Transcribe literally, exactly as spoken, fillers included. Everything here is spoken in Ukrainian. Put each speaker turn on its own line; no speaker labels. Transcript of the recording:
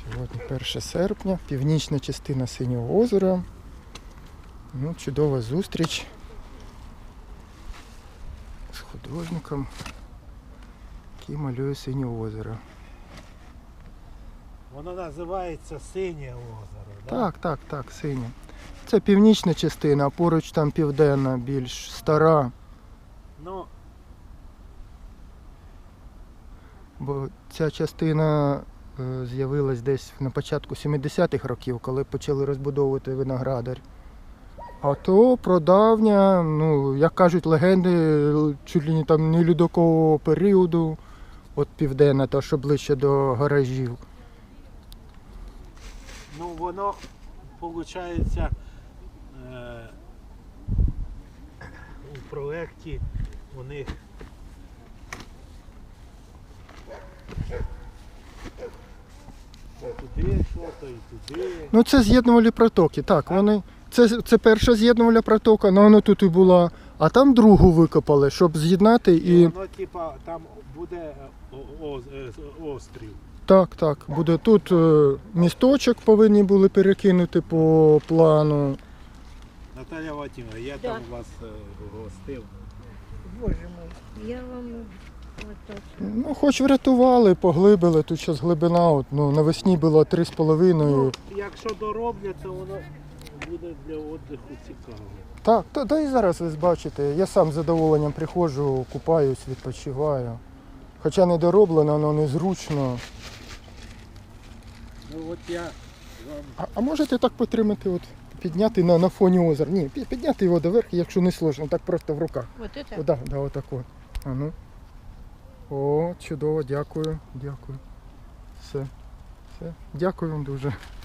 Сьогодні перше серпня, північна частина Синього озера. Ну, чудова зустріч з художником, який малює Синє озеро.
Воно називається Синє озеро, да?
Так, так, так, синє. Це північна частина, а поруч там південна, більш стара.
Ну,
Бо ця частина е, з'явилась десь на початку сімдесятих років, коли почали розбудовувати виноградар. А то прадавня, ну, як кажуть легенди, чуть ли не там не льодовикового періоду, от південна, та що ближче до гаражів.
ну воно, виходить, е, у проєкті у них і туди що-то, і туди.
Ну це з'єднувальні протоки, так, вони. Це, це перша з'єднувальна протока, ну воно тут і була, а там другу викопали, щоб з'єднати
І
і.
воно, типа, там буде о- о- е, острів.
Так, так, буде тут е, місточок повинні були перекинути по плану.
Наталя Вадимовна, я
Да.
там вас е, гостив.
Боже мой, я вам отак.
Ну, хоч врятували, поглибили, тут зараз глибина, от, ну, навесні було три з половиною.
Ну, якщо дороблять, то воно буде для віддиху цікаво.
Так, та, та і зараз ви бачите, я сам з задоволенням приходжу, купаюсь, відпочиваю. Хоча не дороблено, воно незручно.
Ну от я вам
А, а можете так потримати, от, підняти на, на фоні озера? Ні, пі- підняти його доверху, якщо не сложно, так просто в руках.
Вот это?
О, да, да, отак от. А ну. О, чудово, дякую, дякую. Все, все. Дякую вам дуже.